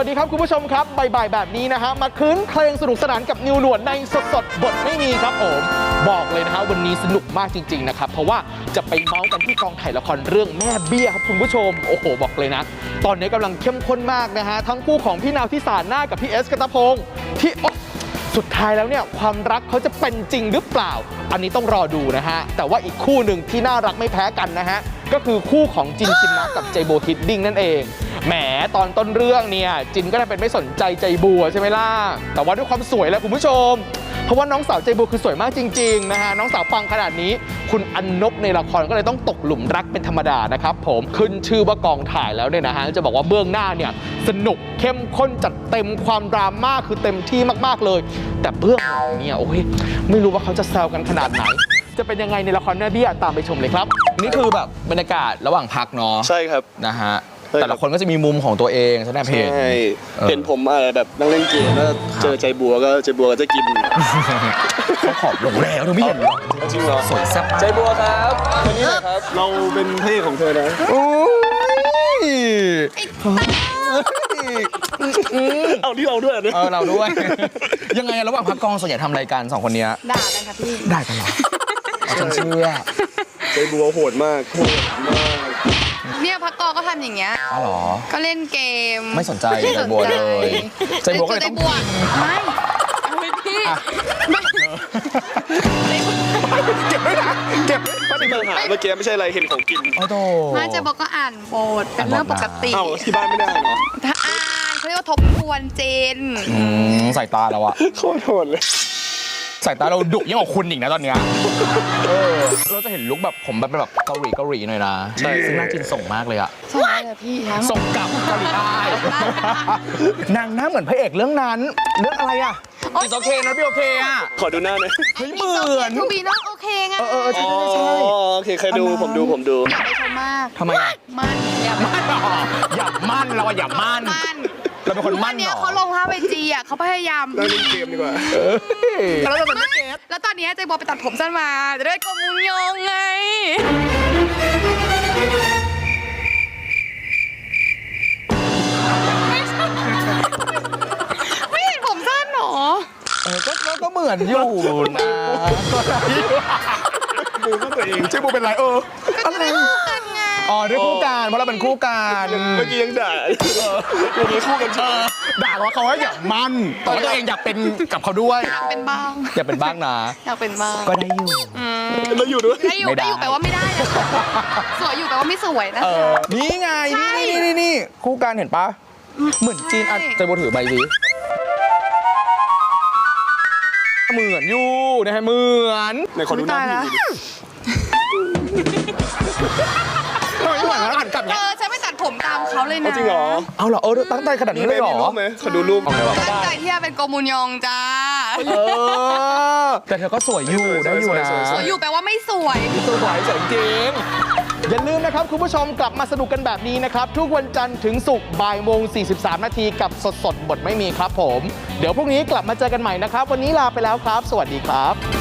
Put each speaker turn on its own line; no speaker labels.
สดีครับคุณผู้ชมครับบ่ายๆแบบนี้นะฮะมาคืนเพลงสนุกสนานกับนิวหนวดในสดๆบทไม่มีครับผมบอกเลยนะฮะวันนี้สนุกมากจริงๆนะครับเพราะว่าจะไปเมาส์กันที่กองถ่ายละครเรื่องแม่เบี้ยครับคุณผู้ชมโอ้โหบอกเลยนะตอนนี้กำลังเข้มข้นมากนะฮะทั้งคู่ของพี่นาวที่สารหน้ากับพี่เอสกันตะพงศ์ที่สุดท้ายแล้วเนี่ยความรักเขาจะเป็นจริงหรือเปล่าอันนี้ต้องรอดูนะฮะแต่ว่าอีกคู่หนึ่งที่น่ารักไม่แพ้กันนะฮะก็คือคู่ของจินชินนะกับใจโบฮิดดิ้งนั่นเองแหมตอนต้นเรื่องเนี่ยจินก็ได้เป็นไม่สนใจใจบัวใช่ไหมล่ะแต่ว่าด้วยความสวยแหละคุณผู้ชมเพราะว่าน้องสาวใจบัวคือสวยมากจริงๆนะฮะน้องสาวปังขนาดนี้คุณอันนบในละครก็เลยต้องตกหลุมรักเป็นธรรมดานะครับผมขึ้นชื่อว่ากองถ่ายแล้วเนี่ยนะฮะจะบอกว่าเบื้องหน้าเนี่ยสนุกเข้มข้นจัดเต็มความดราม่าคือเต็มที่มากๆเลยแต่เบื้องหลังเนี่ยโอ้ยไม่รู้ว่าเขาจะแซวกันขนาดไหนจะเป็นยังไงในละครแม่เบี้ยตามไปชมเลยครับนี่คือแบบบรรยากาศระหว่างพักเนาะ
ใช่ครับ
นะฮะแต่ละคนก็จะมีมุมของตัวเองใช่ไหมเพจ
เห็นผมอะไรแบบนั่งเล่นเกมแล้วเจอใจบัวก็จะกิน
เขาขอบลงแล้วเธอไม่เห็นหรอ
จริงเหรอ
สวยแซ่บ
ใจบัวครับคนนี้แหละครับเราเป็นพระเอกของเธอนะเอาที่เราด้วย
เราด้วยยังไงระหว่างพักกองส่วนใหญ่ทำรายการ2คนนี้
ด่ากันครับพี่
ได้กันเหรอฉันเชื่อ
ใจบัวโหดมาก
เนี่ยพักกองก็ทำอย่างเงี้ย
อ๋อเหรอ
ก็เล่นเกม
ไม่สนใจใจบัวเลยใจบัวก็เลยต้อง
ไม่พี่
เก็บด้วยนะเก็บ
ไม่ได้ปัญหาเมื่อกี้ไม่ใช่อะไรเห็นของกิน
ไม่ใจบัวก็อ่านบทเป็นเรื่องปกติ
เอ้าที่บ้านไม่ได้เหรอ
ถ้าอ่านเขาเรียกว่าทบทวนเจน
ใส่ตาเราอะ
โคตรโหดเลย
สายตาเราดุยิ่งกว่าคุณอีกนะตอนเนี้ยเราจะเห็นลุคแบบผมแบบเกาหลีหน่อยนะใช่ซึ่งน่าจินส่งมากเลยอะ
ส่งเลยพี่
ส่งกลับเกาหลีใต้นางหน้าเหมือนพระเอกเรื่องนั้นเรื่องอะไรอะจิตโอเคนะพี่โอเคอะ
ขอดูหน้าหน่อย
เฮ้ยเหมือน
ทูบีน้องโอเคไง
ใช่
โอเคเคยดูผมดู
อย่าไปชมมาก
ทำไม
มันอย่ามั่น
เราอย่ามั่นเราเป็นคนมั่น
เนี่ยเขาลงภาพไอจีอ่ะเขาพยายาม
เล่นเกมดีกว่า
แล้วเราเป็นนักเกม
แล้วตอนนี้ใจบัวไปตัดผมสั้นมาจะได้กลมมุงยงไงไม่เห็นผมสั้นหรอ
ก็เหมือนอยู่นะ
บูก็ตัวเอง
ใช่บูเป็นไร
อะไร
อ๋อด้วยคู่กันเพราะเราเป็นคู่กัน
เมื่อกี้ยังด่าวันนี้คู่กัน
ด่าว่าเขาว่าอยากมั่นแต่ว่าตัวเองอยากเป็นกับเขาด้วย
อยากเป็นบ้าง
อยากเป็นบ้างนะ
อยากเป็นบ้าง
ก็ได้อยู่
แล้วอยู่ด้วย
ได้อยู่แปลว่าไม่ได้สวยอยู่แปลว่าไม่สวยนะ
นี่ไงนี่คู่กันเห็นปะเหมือนจีนอ่ะใจโบถือใบสิเหมือนอยู่นะฮะเหมือน
ในคนดูหน้าพี่
ไม่เหมือนแล้วหันกลับเนี่ย
ฉันไม่ตัดผมตามเขาเลยนะ
จริงเหรอ
เอาเหรอตั้งใจขนาดนี้เลยเหรอ
ขอดูรูป
ตั้งใจที่จะเป็นโกมุนยองจ้า
แต่เธอก็สวยอยู่ได้อยู่นะ
สวยอยู่แปลว่าไม่สวย
สวยจริงอย่าลืมนะครับคุณผู้ชมกลับมาสนุกกันแบบนี้นะครับทุกวันจันทร์ถึงศุกร์บ่ายโมง43 นาทีกับสดบทไม่มีครับผมเดี๋ยวพรุ่งนี้กลับมาเจอกันใหม่นะครับวันนี้ลาไปแล้วครับสวัสดีครับ